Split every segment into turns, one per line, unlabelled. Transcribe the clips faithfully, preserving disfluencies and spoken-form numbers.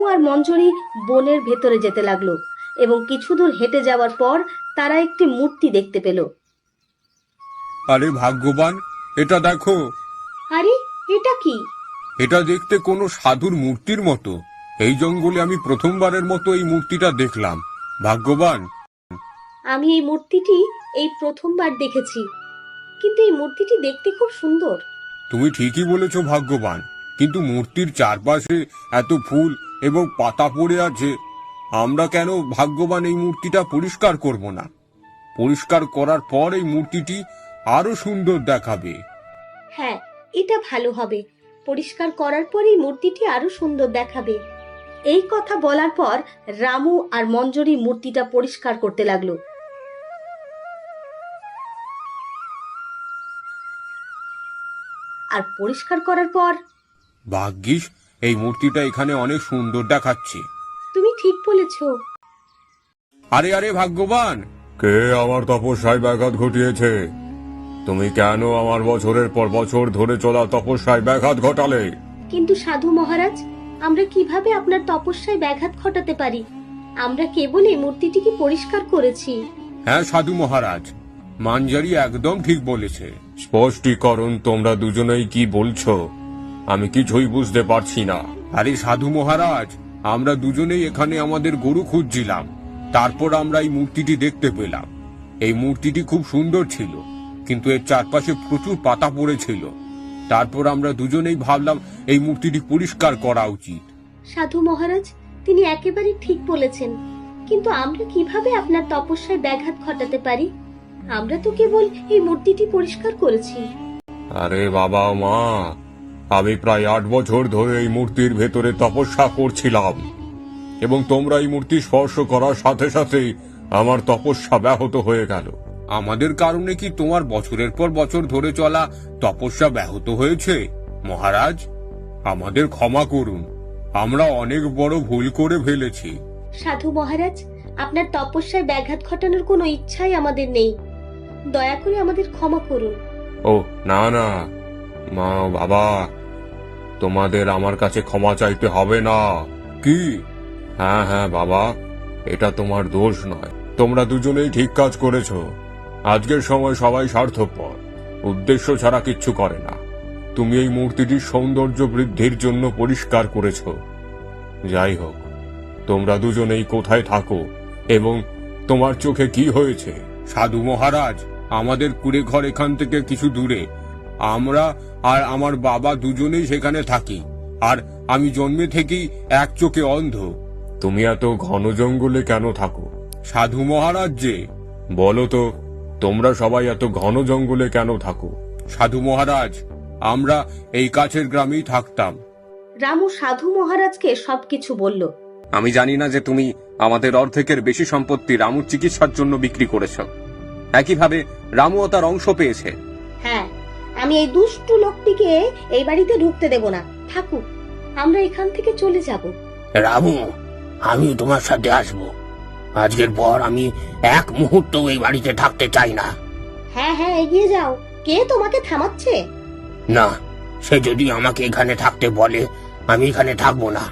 আর মঞ্জরি বনের ভেতরে যেতে লাগলো এবং কিছু দূর হেঁটে যাওয়ার পর তারা একটি মূর্তি দেখতে পেল।
আরে ভাগ্যবান, এটা দেখো।
আরে এটা কি?
এটা দেখতে কোনো সাধুর মূর্তির মতো। এই জঙ্গলে আমি প্রথমবারের মতো এই মূর্তিটা দেখলাম। ভাগ্যবান,
আমি এই মূর্তিটি এই প্রথমবার দেখেছি, কিন্তু এই মূর্তিটি দেখতে খুব সুন্দর।
তুমি ঠিকই বলেছ ভাগ্যবান, কিন্তু মূর্তির চারপাশে এত ফুল এবং পাতা পড়ে আছে। আমরা কেন ভাগ্যবান এই মূর্তিটা পরিষ্কার করব না? পরিষ্কার করার পর এই মূর্তিটি আরো সুন্দর দেখাবে।
হ্যাঁ, এটা ভালো হবে। পরিষ্কার করার পর এই মূর্তিটি আরো সুন্দর দেখাবে। এই কথা বলার পর রামু আর মঞ্জরি মূর্তিটা পরিষ্কার করতে লাগলো। আর পরিষ্কার করার পর,
ভাগ্যিস এই মূর্তিটা এখানে অনেক সুন্দর দেখাচ্ছে।
তুমি ঠিক বলেছ।
আরে আরে ভাগ্যবান, কে আমার তপস্যায় ব্যাঘাত ঘটিয়েছে? তুমি কেন আমার বছরের পর বছর ধরে চলা তপস্যায় ব্যাঘাত ঘটালে?
কিন্তু সাধু মহারাজ, আমরা কিভাবে আপনার তপস্যায় ব্যাঘাত ঘটাতে পারি? আমরা কেবল এই মূর্তিটিকে পরিষ্কার করেছি।
হ্যাঁ সাধু মহারাজ, মাঞ্জারি একদম ঠিক বলেছে। স্পষ্টীকরণ, তোমরা দুজনেই কি বলছো আমি কিছুই বুঝতে পারছি না। আরে সাধু মহারাজ, আমরা দুজনেই এখানে আমাদের গরু খুঁজছিলাম। তারপর আমরা এই মূর্তিটি দেখতে পেলাম। এই মূর্তিটি খুব সুন্দর ছিল, কিন্তু এর চারপাশে প্রচুর পাতা পড়েছিল। তারপর আমরা দুজনেই ভাবলাম এই মূর্তিটি পরিষ্কার করা উচিত।
সাধু মহারাজ, তিনি একেবারে ঠিক বলেছেন, কিন্তু আমরা কিভাবে আপনার তপস্যায় ব্যাঘাত ঘটাতে পারি? আমরা তো কেবল এই মূর্তিটি পরিষ্কার করেছি।
আরে বাবা মা, আমি প্রায় আট বছর ধরে এই মূর্তির ভেতরে তপস্যা করছিলাম, এবং তোমরা এই মূর্তি স্পর্শ করার সাথে সাথে আমার তপস্যা ব্যাহত হয়ে গেল। আমাদের কারণে কি তোমার বছরের পর বছর ধরে চলা তপস্যা ব্যাহত হয়েছে? মহারাজ, আমাদের ক্ষমা করুন, আমরা অনেক বড় ভুল করে ফেলেছি।
সাধু মহারাজ, আপনার তপস্যায় ব্যাঘাত ঘটানোর কোনো ইচ্ছাই আমাদের নেই। দয়া করে আমাদের ক্ষমা করুন।
ও না না মা, বাবা, তোমাদের আমার কাছে ক্ষমা চাইতে হবে না। কি? হ্যাঁ হ্যাঁ বাবা, এটা তোমার দোষ নয়। তোমরা দুজনেই ঠিক কাজ করেছো। আজকের সময় সবাই স্বার্থপর, উদ্দেশ্য ছাড়া কিচ্ছু করে না। তুমি এই মূর্তিটির সৌন্দর্য বৃদ্ধির জন্য পরিষ্কার করেছো। যাই হোক, তোমরা দুজনেই কোথায় থাকো এবং তোমার চোখে কি হয়েছে? সাধু মহারাজ, আমাদের কুড়ে ঘর এখান থেকে কিছু দূরে। আমরা আর আমার বাবা দুজনেই সেখানে থাকি, আর আমি জন্মে থেকেই এক চোখে অন্ধ। তুমি এত ঘন জঙ্গলে কেন থাকো? সাধু মহারাজ যে, বলো তো, তোমরা সবাই এত ঘন জঙ্গলে কেন থাকো? সাধু মহারাজ, আমরা এই কাছের গ্রামেই থাকতাম।
রামু সাধু মহারাজকে সবকিছু বলল।
আমি জানি না যে তুমি আমাদের অর্ধেকের বেশি সম্পত্তি রামুর চিকিৎসার জন্য বিক্রি করেছ। একইভাবে রামুও তার অংশ পেয়েছে।
হ্যাঁ, আমি এই দুষ্টু লোকটিকে এই বাড়িতে ঢুকতে দেব না। থাকুক, আমরা এখান থেকে চলে যাব।
রামু, আমি তোমার সাথে আসবো। আজকের পর আমি এক মুহূর্ত এই বাড়িতে থাকতে চাই না।
হ্যাঁ হ্যাঁ, এগিয়ে যাও। কে তোমাকে থামাচ্ছে?
না, সে যদি আমাকে এখানে থাকতে বলে, আমি এখানে থাকবো না।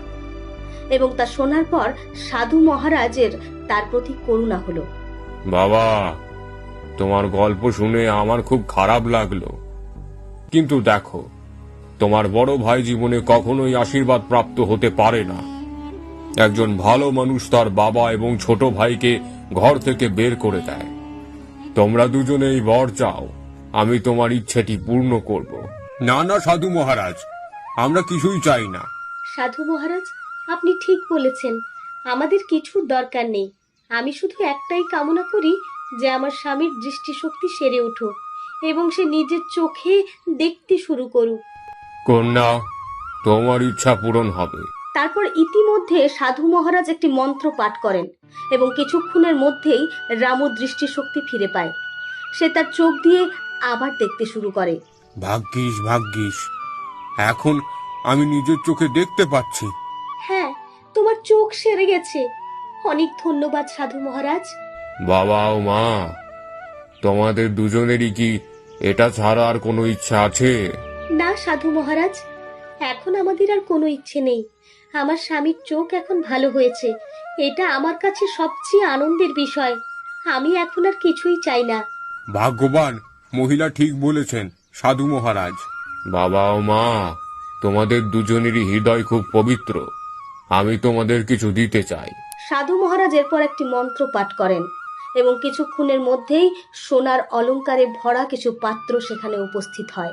এবং তা শোনার পর সাধু মহারাজের তার প্রতি করুণা হলো।
বাবা, তোমার গল্প শুনে আমার খুব খারাপ লাগলো, কিন্তু দেখো, তোমার বড় ভাই জীবনে কখনোই আশীর্বাদ প্রাপ্ত হতে পারে না। একজন ভালো মানুষ তার বাবা এবং ছোট ভাইকে ঘর থেকে বের করে দেয়। তোমরা দুজনেই বর চাও, আমি তোমার ইচ্ছেটি পূর্ণ করব। না না সাধু মহারাজ, আমরা কিছুই চাই না।
সাধু মহারাজ, আপনি ঠিক বলেছেন, আমাদের কিছুর দরকার নেই। আমি শুধু একটাই কামনা করি যে আমার স্বামীর দৃষ্টিশক্তি সেরে উঠুক এবং সে নিজের চোখে দেখতে শুরু করুক।
কন্যা, তোমার ইচ্ছা পূরণ হবে।
তারপর ইতিমধ্যে সাধু মহারাজ একটি মন্ত্র পাঠ করেন এবং কিছুক্ষণের মধ্যেই রামু দৃষ্টিশক্তি ফিরে পায়। সে তার চোখ দিয়ে আবার দেখতে শুরু করে।
ভাগ্যিস ভাগ্যিস, এখন আমি নিজের চোখে দেখতে পাচ্ছি।
হ্যাঁ, তোমার চোখ সেরে গেছে। অনেক ধন্যবাদ সাধু মহারাজ।
বাবা ও মা, তোমাদের দুজনেরই কি এটা ছাড়া আর কোনো ইচ্ছা আছে?
না সাধু মহারাজ, এখন আমাদের আর কোনো ইচ্ছে নেই। আমার স্বামীর চোখ এখন ভালো হয়েছে, এটা আমার কাছে সবচেয়ে আনন্দের বিষয়। আমি এখন আর কিছুই চাই না।
ভাগ্যবান মহিলা ঠিক বলেছেন সাধু মহারাজ। বাবা ও মা, তোমাদের দুজনেরই হৃদয় খুব পবিত্র। আমি তোমাদের কিছু দিতে চাই।
সাধু মহারাজ এরপর একটি মন্ত্র পাঠ করেন এবং কিছুক্ষণের মধ্যেই সোনার অলংকারে ভরা কিছু পাত্র সেখানে উপস্থিত হয়।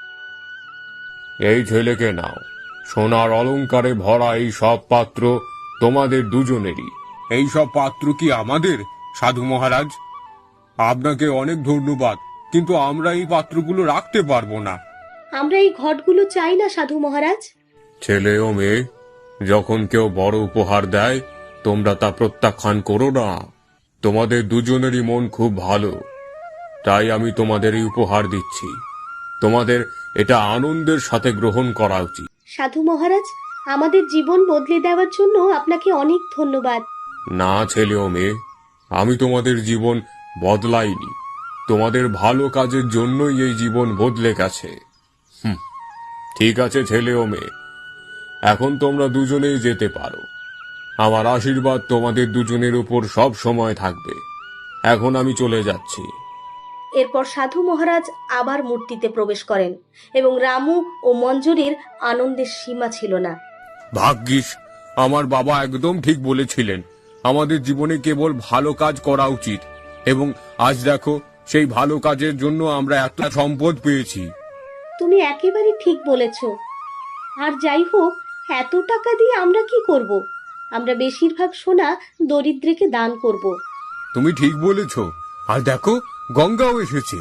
এই ছেলেকে নাও, সোনার অলংকারে ভরা এই সব পাত্র তোমাদের দুজনেরই। এই সব পাত্র কি আমাদের সাধু মহারাজ? আপনাকে অনেক ধন্যবাদ, কিন্তু আমরা এই পাত্রগুলো রাখতে পারবো না।
আমরা এই ঘটগুলো চাই না সাধু মহারাজ।
ছেলে ও মেয়ে, যখন কেউ বড় উপহার দেয় তোমরা তা প্রত্যাখ্যান করো না। তোমাদের দুজনেরই মন খুব ভালো, তাই আমি তোমাদের এই উপহার দিচ্ছি। তোমাদের এটা আনন্দের সাথে গ্রহণ করা উচিত।
সাধু মহারাজ, আমাদের জীবন বদলে দেওয়ার জন্য আপনাকে অনেক ধন্যবাদ।
না ছেলে ও মেয়ে, আমি তোমাদের জীবন বদলাইনি, তোমাদের ভালো কাজের জন্যই এই জীবন বদলে গেছে। হুম, ঠিক আছে ছেলে ও মেয়ে, এখন তোমরা দুজনেই যেতে পারো। আমার আশীর্বাদ তোমাদের দুজনের উপর সব সময় থাকবে। এখন আমি চলে যাচ্ছি।
এরপর সাধু মহারাজ আবার মূর্তিতে প্রবেশ করেন এবং রামু ও মঞ্জুরির আনন্দের সীমা ছিল না।
ভাগ্যিস আমার বাবা একদম ঠিক বলেছিলেন, আমাদের জীবনে কেবল ভালো কাজ করা উচিত, এবং আজ দেখো সেই ভালো কাজের জন্য আমরা এত সম্পদ পেয়েছি।
তুমি একেবারে ঠিক বলেছ। আর যাই হোক, এত টাকা দিয়ে আমরা কি করব? আমরা বেশিরভাগ সোনা দরিদ্রকে দান করব।
তুমি ঠিক বলেছ। আর দেখো, গঙ্গাও এসেছে।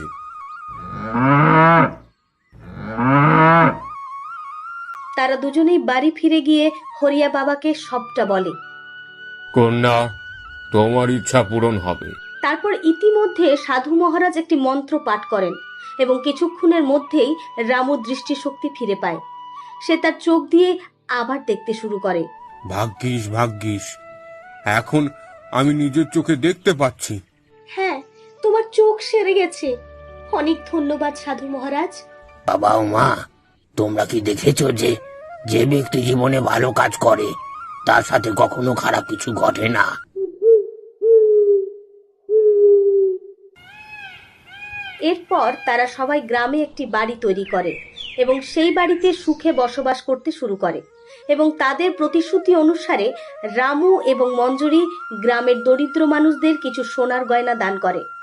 তারা দুজনেই বাড়ি ফিরে গিয়ে হরিয়া বাবাকে সবটা বলে।
কন্যা, তোমার ইচ্ছা পূরণ হবে।
তারপর ইতিমধ্যে সাধু মহারাজ একটি মন্ত্র পাঠ করেন এবং কিছুক্ষণের মধ্যেই রামু দৃষ্টিশক্তি ফিরে পায়। সে তার চোখ দিয়ে আবার দেখতে শুরু করে।
ভাগ্যিস ভাগ্যিস, এখন আমি নিজের চোখে দেখতে পাচ্ছি।
হ্যাঁ, তোমার চোখ সেরে গেছে। অনেক ধন্যবাদ সাধু মহারাজ।
বাবা ও মা, তোমরা কি দেখেছো যে যে ব্যক্তি জীবনে ভালো কাজ করে তার সাথে কখনো খারাপ কিছু ঘটে না?
এরপর তারা সবাই গ্রামে একটি বাড়ি তৈরি করে এবং সেই বাড়িতে সুখে বসবাস করতে শুরু করে এবং তাদের প্রতিশ্রুতি অনুসারে রামু এবং মঞ্জুরি গ্রামের দরিদ্র মানুষদের কিছু সোনার গয়না দান করে।